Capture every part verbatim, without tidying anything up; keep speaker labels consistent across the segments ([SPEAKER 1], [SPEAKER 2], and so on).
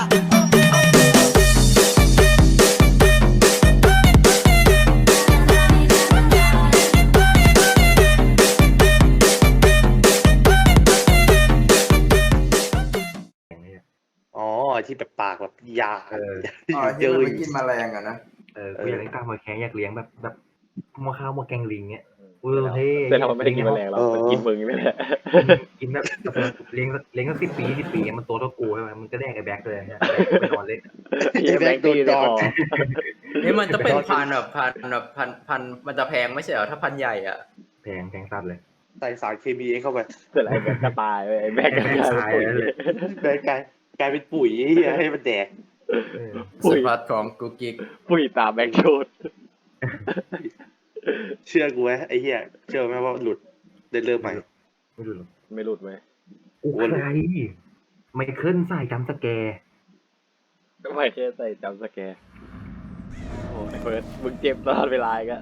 [SPEAKER 1] อ๋อที่แบบปากแบบยา
[SPEAKER 2] เออ
[SPEAKER 3] อ๋อที่มันไม่กินแมลงอะนะ
[SPEAKER 2] เออกูอยากเลี้ยงตามหอยแครงอยากเลี้ยงแบบแบบหม้อข้าวหม้อแกงลิงเงี้ยเออเท่
[SPEAKER 4] แต่เราไม่ได้กินแมลงหรอกมันกินมึงนี่แหละ
[SPEAKER 2] กินแบบเลี้ยงเลี้ยงสักสิบปีสิบปีมันตัวเท่ากูใช่ไหมมันก็แดกไอ้แบ็คเลยเนี่ยไปนอนเล่น
[SPEAKER 4] ไอ้แบงค์ตีในคอ
[SPEAKER 3] นี่มันจะเป็นพันแบบพันแบบพันพันมันจะแพงไม่ใช่เหรอถ้าพันใหญ่อ่ะ
[SPEAKER 2] แพงแพงสัตว์เลย
[SPEAKER 1] ใส่สารเคมีเข้าไป
[SPEAKER 4] เสร็จแล้วไอ้แบงค์ก็ตายไปไอ้แบงค์ก็ตายไปเลย
[SPEAKER 1] แบงกลายกลายเป็นปุ๋ยให้มันแดก
[SPEAKER 2] เออ
[SPEAKER 3] สุดพัดของกูกิก
[SPEAKER 4] ปุ้ยตามแบงค์โชด
[SPEAKER 1] เชื่อกูไหมไอ้เหี้ยเชื่อไหมว่าหลุดได้เริ่มใหม่
[SPEAKER 2] ไม่รู้หรอก
[SPEAKER 4] ไม่หลุดไหม
[SPEAKER 2] กูใครไมเคิลใส่จำสแกร์
[SPEAKER 4] ไม่แค่ใส่จำสแกร์โอ้ไอ้เฟิร์สมึงเจ็บตลอดเวลาอีก็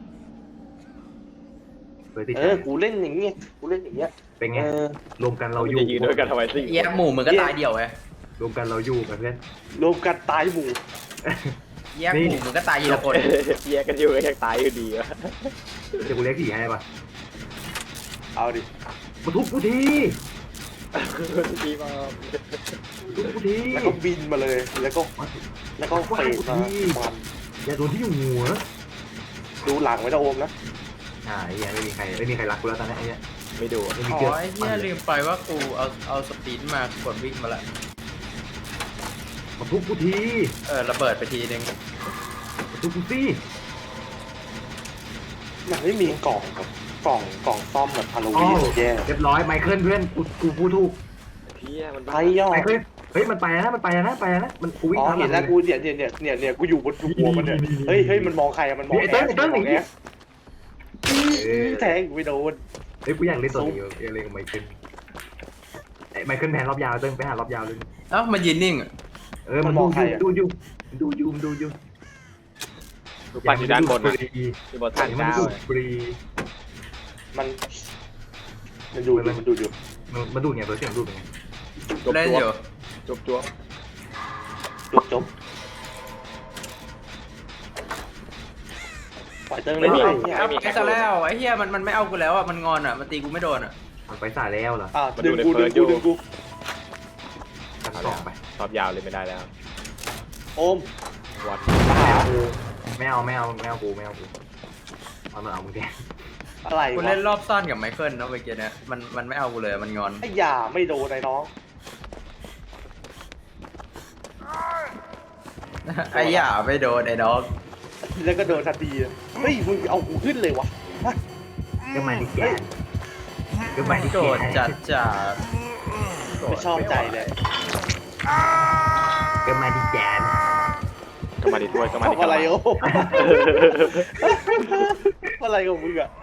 [SPEAKER 2] เปิดที่
[SPEAKER 1] เอ
[SPEAKER 2] ใจ
[SPEAKER 1] อกูเล่นอย่างเงี้ยกูเล่นอย่างเงี้ย
[SPEAKER 2] เป็นไง
[SPEAKER 1] เออ
[SPEAKER 2] รวมกันเรา
[SPEAKER 4] เรา
[SPEAKER 2] อยู่
[SPEAKER 4] จะยืนด้วยกันทำไมสิ
[SPEAKER 3] แยกหมู่มึงก็ตายเดี่ยวไง
[SPEAKER 2] รวมกันเราอยู่กันเพื่อน
[SPEAKER 1] รวมกันตายหมู่
[SPEAKER 3] แยกหมู่มึงก็ตายทีละคน
[SPEAKER 4] แยกกันอยู่ก็ยังตายอยู่ดีวะ
[SPEAKER 2] เดี๋ยวกูเลี้ยงผีให้ป่ะ
[SPEAKER 1] เอาดิ
[SPEAKER 2] มาทุบกูที
[SPEAKER 4] ดีมาก
[SPEAKER 2] ทุบกูที
[SPEAKER 1] แล้วก็บินมาเลยแล้วก็แล้วก็เฟดมามัน
[SPEAKER 2] อย่าโดนที่อยู่หัว
[SPEAKER 1] ดูหลังไว้นะโอมนะ
[SPEAKER 2] อ่าไอ้เหี้ยไม่มีใครไม่มีใครรักกูแล้วตอนนี้ไอ้เหี้ย
[SPEAKER 4] ไม่ดู
[SPEAKER 2] ไม่มี
[SPEAKER 3] อ๋อ
[SPEAKER 2] เกลือ
[SPEAKER 3] ไอ้เหี้ยลืมไปว่ากูเอาเอาสปีดมากดวิ่งมาละ
[SPEAKER 2] มาทุบกูที
[SPEAKER 3] เออระเบิดไปทีนึง
[SPEAKER 2] มาทุบกูสิ
[SPEAKER 1] มันไม่มีกล่องแบบกล่องกล่องซ่อมแบบฮาโลวีนแย่
[SPEAKER 2] เรียบร้อยไมเคิลเพื่อนกูกูพูดถูก
[SPEAKER 4] เพี้ยมัน
[SPEAKER 1] ไทยย่อ
[SPEAKER 2] ไมเคิลเฮ้ยมันไปนะมันไปนะไปนะมันกูวิ่ง
[SPEAKER 1] อ๋อ
[SPEAKER 2] ตาม
[SPEAKER 1] เห็นแล้วกูเนี่ยเนี่ยเนี่ยเนี่ยเนี่ยกูอยู่บนหัวมันเนี่ยเฮ้ยเฮ้ยมันมองใครอะมันมอง
[SPEAKER 2] ไอ้เติ้ลไอ้เติ้ล
[SPEAKER 1] ม
[SPEAKER 2] ไอ้
[SPEAKER 1] อง
[SPEAKER 2] เหี้
[SPEAKER 1] แอย แทงกูไม่โดน
[SPEAKER 2] เฮ้ยกูอยากเล่นตัวนี้อยากเล่นกับไมเคิลไอ้ไมเคิลแพนรอบยาวเติ้ลไปหารอบยาวเลย
[SPEAKER 3] เอ้ามันยืนนิ่งอะ
[SPEAKER 2] เออมันดูดูอยู่ดูอยู่ดูอยู่
[SPEAKER 4] ปั่นอยู่ด้านบน
[SPEAKER 2] ฟ
[SPEAKER 4] นะ
[SPEAKER 2] รี
[SPEAKER 4] ที่บน
[SPEAKER 2] ถ่า
[SPEAKER 4] ทาย ง
[SPEAKER 2] มัน
[SPEAKER 4] เจ้า
[SPEAKER 2] ดูฟรี
[SPEAKER 1] มันมันดูอยู่มันดูอยู่
[SPEAKER 2] มันมันดูไงตัวเสียงดูเป็นไง
[SPEAKER 4] จบ
[SPEAKER 3] เล่น
[SPEAKER 4] จว
[SPEAKER 3] อบ ยู่
[SPEAKER 4] จบจวบ
[SPEAKER 1] จบจบปล่อยเติ้งเลยเนี่ย
[SPEAKER 3] เอาไปซะแล้วไอ้เหี้ยมันมันไม่เอากูแล้วอ่ะมันงอนอ่ะมันตีกูไม่โดนอ่ะ
[SPEAKER 2] มันไปสายแล้วเหรอ
[SPEAKER 1] อ่ะดึงกูดึงกูดึงกู
[SPEAKER 2] กันสองไป
[SPEAKER 4] รอบยาวเลยไม่ได้แล้ว
[SPEAKER 1] โอม
[SPEAKER 4] วัด
[SPEAKER 1] มาหา
[SPEAKER 2] ไม่เอาไม่เอาไม่เอากูไม่เอากูเอามันเอามึงแก
[SPEAKER 1] อะไร
[SPEAKER 3] กู
[SPEAKER 1] วะ
[SPEAKER 3] เล่นรอบซ่อนกับไมเคิลนะเมื่อกี้เนี่ยมันมันไม่เอากูเลยมันงอน
[SPEAKER 1] ไอ้อย่าไม่โดนไอ้น้อง
[SPEAKER 3] ไอ้หย่าไม่โดนไอ้ดอก
[SPEAKER 1] แล้วก็โดนทันทีเฮ้ยมึงเอากูขึ้นเลยวะ
[SPEAKER 2] ก็มาดิแกนก็มาดิ
[SPEAKER 3] โด
[SPEAKER 2] แก
[SPEAKER 3] น
[SPEAKER 2] น
[SPEAKER 3] จัดจัด
[SPEAKER 1] ไม่ชอบใจเลย
[SPEAKER 2] ก็มาดิแกน
[SPEAKER 4] ก็มาดิด้วยก็มาดิ
[SPEAKER 1] ทำอะไรโอ้อะไรของมึงอะ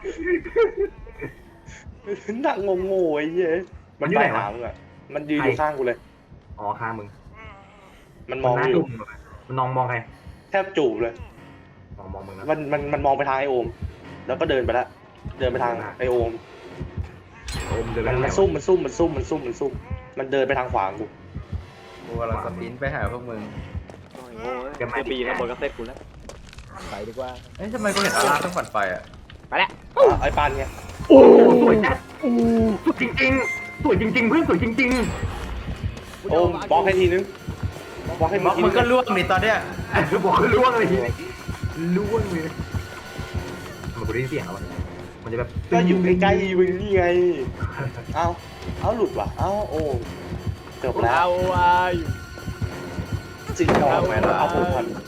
[SPEAKER 1] นั่งงงๆไอ้เหี้ยมันไปหามึงอะมันยืนอยู่ข้างกูเลย
[SPEAKER 2] อ๋อข้างมึง
[SPEAKER 1] มันมอง
[SPEAKER 2] หน้า
[SPEAKER 1] อ
[SPEAKER 2] จุ่
[SPEAKER 1] ยู่
[SPEAKER 2] มมันมองมองใคร
[SPEAKER 1] แทบจูบเลย
[SPEAKER 2] มองมองมึงนะ
[SPEAKER 1] มันมันมันมองไปทางไอโอม แล้วก็เดินไปละเดินไปทางไอโอม
[SPEAKER 2] โอมเดินไป
[SPEAKER 1] มัน
[SPEAKER 2] ทางไหน
[SPEAKER 1] มันซุ่มมันซุ่มมันซุ่มมันซุ่มมันซุ่มมันเดินไปทางขวากู
[SPEAKER 3] กูกำลังสปรินต์ไปหาพวกมึง
[SPEAKER 4] โอ้ยโง่เจะปีนะบนก็เซ็ตกูแล้วไปดีกว่า
[SPEAKER 3] เอ้ยทำไมกูเห็นอาราต้องฝันไฟอ่ะ
[SPEAKER 4] ไปแล้ว
[SPEAKER 1] อ่ะไอปานไง
[SPEAKER 2] โอ้สวยจัดโอ้สวยจริงๆสวยจริงๆเพื่อนสวยจริง
[SPEAKER 1] โอมบล็อกให้ทีนึงบล็อกให้
[SPEAKER 3] บ
[SPEAKER 1] มึ
[SPEAKER 3] ล็อง ก
[SPEAKER 1] ที
[SPEAKER 3] มึ
[SPEAKER 1] นึ
[SPEAKER 3] ง
[SPEAKER 1] ง
[SPEAKER 3] ก็ล่วงนี่ตอนเนี้ย
[SPEAKER 2] ๆบอกล่วงเลยล่วงเลยมันกูได้ยินเสียงแล้วมันจะแบบ
[SPEAKER 1] ก็อยู่ใกล้ๆมึงนี่ไงเอ้าเอ้าหลุดว่ะเอ้าโอ้จบแล้ว
[SPEAKER 4] เอาไว้อยู่
[SPEAKER 1] จริงเอาไหมล่ะเอาผมพัน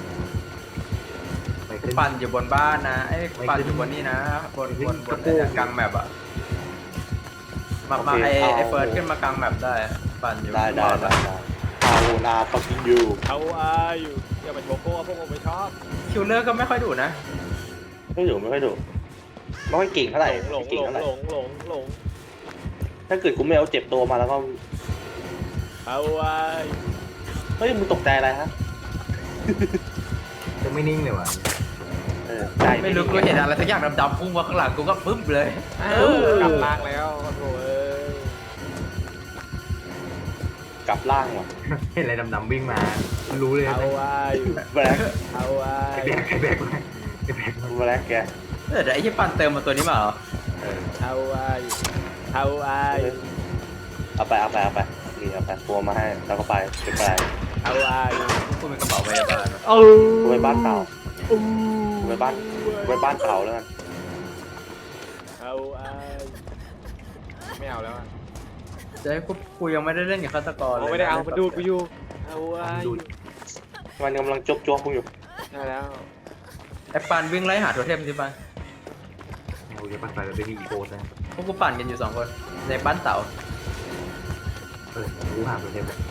[SPEAKER 2] ไปขึ้น
[SPEAKER 3] ปั่นอยู่บนบ้านนะไอ้ปั่นอยู่บนนี่นะบนบนบนไอ้เนี่ยกลางแมปอ่ะมามาไอ้ไอ้เฟิร์สขึ้นมากลางแมปได้ปั่นอยู่
[SPEAKER 1] ได้ได้ได้ได้เอานาฟักกิ้งยู
[SPEAKER 4] เอาไว้อยู่อย่าไปโชโก้พวกผมไม่ชอบ
[SPEAKER 3] คิวเลอร์ก็ไม่ค่อยดุนะ
[SPEAKER 1] ไม่อยู่ไม่ค่อยดูไม่ค่อยเก่งเท่าไหร่
[SPEAKER 4] หลง
[SPEAKER 1] เก่ง
[SPEAKER 4] หลง
[SPEAKER 1] เท่าไหร่
[SPEAKER 4] หลงหลงหลง
[SPEAKER 1] ถ้าเกิดกูไม่เอาเจ็บตัวมาแล้วก็
[SPEAKER 4] เอาไว้
[SPEAKER 1] เฮ้ยมึงตกใจอะไรฮะ
[SPEAKER 2] จะไม่นิ่งเลยว่ะ
[SPEAKER 1] เออใจ
[SPEAKER 3] ไม่รู้กูเห็นอะไรสักอย่างดำๆพุ่งมาข้างหลังกูก็ปึ๊บเลย
[SPEAKER 4] กลับล่างแล้วโอ้โหเอ้ย
[SPEAKER 1] กลับล่างว่ะ
[SPEAKER 2] เห็นอะไรดำๆวิ่งมามันรู้เลย
[SPEAKER 4] เอาไว้
[SPEAKER 1] แบล็ค
[SPEAKER 4] เอาไว้
[SPEAKER 2] ไอ้แบกไอ้แบกมาไอ้แบกมา
[SPEAKER 1] แบล็คแก
[SPEAKER 3] เออเดี๋ยวไอ้ที่ปันเติมมาตัวนี้มาเหรอ
[SPEAKER 2] เออ
[SPEAKER 4] เอาไว้เอาไว้
[SPEAKER 1] เอาไปเอาไปเอาไปนี่เอาไปตัวมาให้แล้วก็ไปไปไป
[SPEAKER 4] เอาไว้
[SPEAKER 3] กูเป็นกระเป๋าพยาบาล
[SPEAKER 4] เอา
[SPEAKER 1] ไว้บ้านเต่า
[SPEAKER 4] อู้
[SPEAKER 1] ไว้บ้านไว้บ้านเต่าแล้วกัน
[SPEAKER 4] เอาไว้ไม่เอาแล้วอ่ะ
[SPEAKER 3] เจ๊กูกูยังไม่ได้เล่นกับฆาตกรเลย
[SPEAKER 4] เอาไม่ได้เอามาดูกูอยู่เอาไว้
[SPEAKER 2] ดู
[SPEAKER 1] มันกำลังจบจ้วงกูอยู่
[SPEAKER 4] ใช่แล้ว
[SPEAKER 3] ไอ้ปันวิ่งไล่หาโทเทมสิปัน
[SPEAKER 2] เราจะปั่นไปแบบไม่มีอีโก้นะ
[SPEAKER 3] พวกกูปั่นกันอยู่สองคนในบ้านเต่า
[SPEAKER 2] เออรู้หาตัวเทมเลย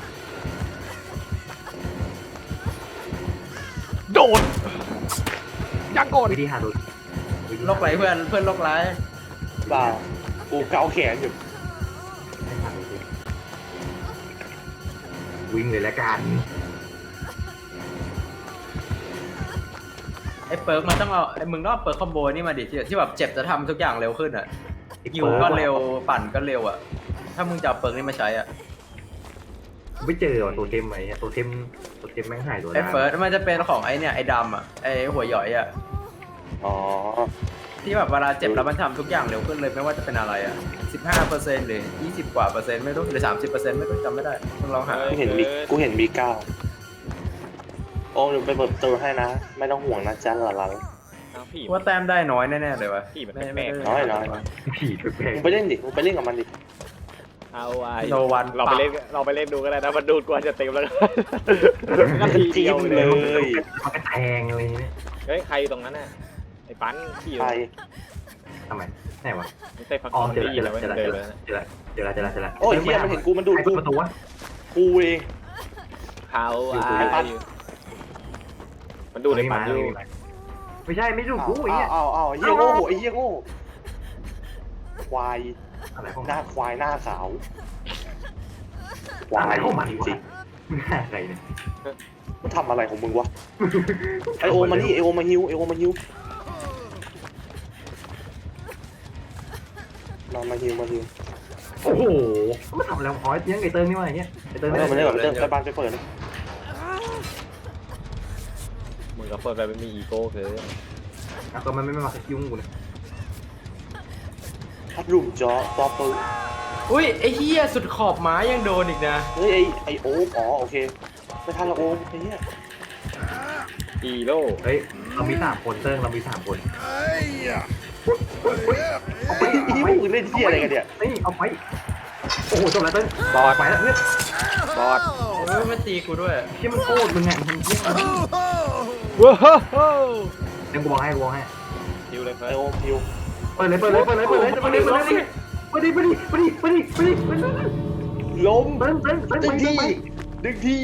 [SPEAKER 4] โดดยังก่อน
[SPEAKER 2] วิธีหาตัว
[SPEAKER 3] โรคไรเพื่อนเพื่อนโรคไร
[SPEAKER 1] เปล่ากูเกาแขนอยู่
[SPEAKER 2] ให้หาตัวเทมวิ่งเลยละกัน
[SPEAKER 3] ไอ้เปิร์กมันต้องเอาไอ้มึงต้องเอาเปิร์กคอมโบนี่มาดิที่ที่แบบเจ็บจะทำทุกอย่างเร็วขึ้นอ่ะยิวก็เร็วปั่นก็เร็วอ่ะถ้ามึงจะเอาเปิร์กนี่มาใช้อ่ะ
[SPEAKER 2] ไม่เจอว่ะตัวเทมไหมตัวเทมตัวเทมแม่งหายตัว
[SPEAKER 3] ไอ้เฟิร์สมันจะเป็นของไอ้เนี่ยไอ้ดำอ่ะไอ้หัวหย่อยอ่ะ
[SPEAKER 1] อ๋อ
[SPEAKER 3] ที่แบบเวลาเจ็บแล้วมันทำทุกอย่างเร็วขึ้นเลยไม่ว่าจะเป็นอะไรอ่ะสิบห้าเปอร์เซ็นต์หรือยี่สิบกว่าเปอร์เซ็นต์ไม่รู้หรือสามสิบเปอร์เซ็นต์ไม่รู้จำไม่ได้มึงลองหา
[SPEAKER 1] กูเห็นมีกูเห็นมีเก้าโอ้เดี๋ยวไปเปิดประตูให้นะ ไม่ต้องห่วงนะจ๊ะหลาน
[SPEAKER 4] เอาผี
[SPEAKER 3] ว่าแต้มได้น้อยแน่ๆเลยวะ
[SPEAKER 4] ผีมัน
[SPEAKER 3] ไม่
[SPEAKER 4] แปล
[SPEAKER 3] ไม่
[SPEAKER 4] ก
[SPEAKER 3] ได้
[SPEAKER 1] น้อยน้อยน้อย
[SPEAKER 2] ผีแปล
[SPEAKER 1] มึ
[SPEAKER 2] ก
[SPEAKER 1] งไปเล่นดิมึงไปเล่นกับมันดิ
[SPEAKER 4] เอาไว้
[SPEAKER 3] โนวัน
[SPEAKER 4] เราไปเล่นเราไปเล่นดูก็ได้นะมันดูดกว่าจะเต็มแล้วก็ที
[SPEAKER 1] จิ้
[SPEAKER 4] เดียว
[SPEAKER 1] ม
[SPEAKER 4] เล
[SPEAKER 1] เลย ย
[SPEAKER 2] มันก็แทงอะไรเนี่ย
[SPEAKER 4] เฮ้ยใครอยู่ตรงนั้นน่ะไอ้ปั้นขี่อยู่
[SPEAKER 1] ไป
[SPEAKER 2] ทำไมไหนวะ
[SPEAKER 4] ไม่ใช่พัก
[SPEAKER 2] อ๋อ
[SPEAKER 4] ผ่อน
[SPEAKER 2] เจอ
[SPEAKER 4] ดี
[SPEAKER 2] แล้ว
[SPEAKER 4] แล้ว
[SPEAKER 2] เจอแล้ว
[SPEAKER 4] เดิ
[SPEAKER 2] เจ
[SPEAKER 4] น
[SPEAKER 2] อ
[SPEAKER 4] เล
[SPEAKER 2] แล้
[SPEAKER 4] ยว นะ
[SPEAKER 2] เจอแล้วเจอแล้วเจอแล้วเจอแล้ว
[SPEAKER 1] โอ้ยเฮียมันเห็นกูมันดูด
[SPEAKER 2] ใคร
[SPEAKER 1] กู
[SPEAKER 2] เปิดประตูวะ
[SPEAKER 1] กูเอง
[SPEAKER 4] เขา
[SPEAKER 2] อยู่
[SPEAKER 4] ไอ้
[SPEAKER 1] ไอ้ปั้น
[SPEAKER 4] มันดูดไอ้ปั้นอยู่
[SPEAKER 2] ไม่ใช่ไม่ดูกูไอ้
[SPEAKER 1] อ้า
[SPEAKER 2] เหี้
[SPEAKER 1] วย อ้าวอ้าวเฮียโง่ไอ้เฮียโง่ควาย
[SPEAKER 2] อะไรของ
[SPEAKER 1] หน้าควายหน้าขาวค
[SPEAKER 2] อะไร
[SPEAKER 1] วาย
[SPEAKER 2] ของมัน
[SPEAKER 1] จ
[SPEAKER 2] วะ
[SPEAKER 1] ริง
[SPEAKER 2] มึงหาใครเนี่ย
[SPEAKER 1] ๆมันทำอะไรของมึงวะไอโอมานี่ไอโอมาฮิวไอโอมาฮิวมามาฮิวมาฮิว
[SPEAKER 2] โอ้โหมันทำอะไรอ๋อยังไอเติ้งนี่วะไอ้เนี่ยไอเติ้ง
[SPEAKER 1] เอ
[SPEAKER 2] นี่
[SPEAKER 1] อมาเล่นกับเจ้าไปบ้านไปเปิดนะ
[SPEAKER 4] มึงกับเฟิร์นไปไม่มีอีโก้เกิน
[SPEAKER 2] แล้วก็มันไม่มายุ่งกูเลย
[SPEAKER 1] พัดลุ่มจอปอปืน
[SPEAKER 3] อุ้ยไอ้เฮียสุดขอบไม้ยังโดนอีกนะ
[SPEAKER 1] เฮ้ยไอไอโอมอ๋อโอเคไม่ทันละโอมไอ้เหี้ย
[SPEAKER 4] อีโร่
[SPEAKER 2] เฮ้ยเรามีสามคนเติ้งเรามีสามคน
[SPEAKER 1] เอาไปที่มึงเล่นเหี้ยอะไรกันเนี่ย
[SPEAKER 2] นี่เอาไปโอ้โหจบแล้วเติ้ง
[SPEAKER 4] บอด
[SPEAKER 2] ไปแล้วเพื่อน
[SPEAKER 4] บอด
[SPEAKER 3] เฮ้ยมันตีกูด้วย
[SPEAKER 2] ที่มันโคตรมึงไงมันเยี่ยม
[SPEAKER 4] ว้าว
[SPEAKER 2] เดี๋ยวกูบอกให้กูบอกให้
[SPEAKER 4] ฮิวเลย
[SPEAKER 1] ไอ
[SPEAKER 4] เฟิร์น
[SPEAKER 1] โอมฮิว
[SPEAKER 2] เปิดเลยเปิดเลยเปิดเลยเปิดเลยเปิดเลยเปิดเลยเปิดดิเปิดดิเปิดดิเปิดดิเปิดดิเปิดดิ
[SPEAKER 1] ล้ม
[SPEAKER 2] เติ้งเติ้งเติ้ง
[SPEAKER 1] ดึง
[SPEAKER 2] ไป
[SPEAKER 1] ที่
[SPEAKER 2] ไป
[SPEAKER 1] ดึงที่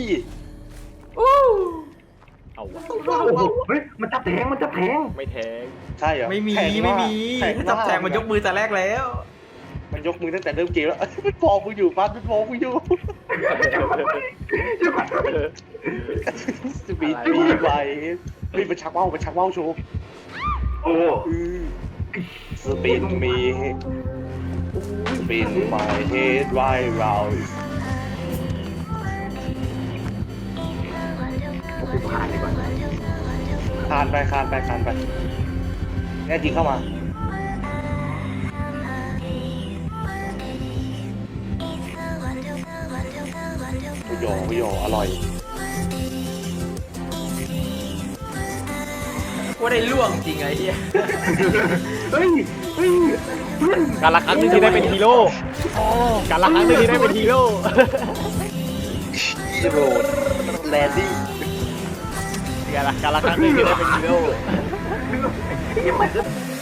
[SPEAKER 4] เอาวะ
[SPEAKER 2] โอ้โหเฮ้ยมันจับแทงมันจับแทง
[SPEAKER 4] ไม่แทง
[SPEAKER 1] ใช่เหรอ
[SPEAKER 3] ไม่มี
[SPEAKER 1] แทง
[SPEAKER 3] ไม่มี
[SPEAKER 1] แทง
[SPEAKER 3] ถ้าจับแทงมันยกมือแต่แรกแล้ว
[SPEAKER 1] มันยกมือตั้งแต่เริ่มเกมแล้วมันฟองกูอยู่ปั๊บมันฟองกูอยู่สปีดมีไวมีมันชักว่าวมันชักว่าวโชว์
[SPEAKER 2] โอ้
[SPEAKER 1] สปินมีสปิน my head right round
[SPEAKER 2] กูผ่านเลยก่อน
[SPEAKER 1] คานไปคานไปคานไปแน่จริงเข้ามากุยอกุยออร่อย
[SPEAKER 3] ว่าได้ล่วงจริงไอ้เหี้ย
[SPEAKER 2] เฮ้ยเฮ้ยเพื่อน
[SPEAKER 4] การละครั้งหนึงที่ได้เป็นฮีโร่การละครั้งหนึงที่ได้เป็นฮีโร่
[SPEAKER 1] ฮีโร่แลนดี้
[SPEAKER 4] การละการละครั้งหนึงที่ได้เป็นฮีโร่
[SPEAKER 2] ยังไม่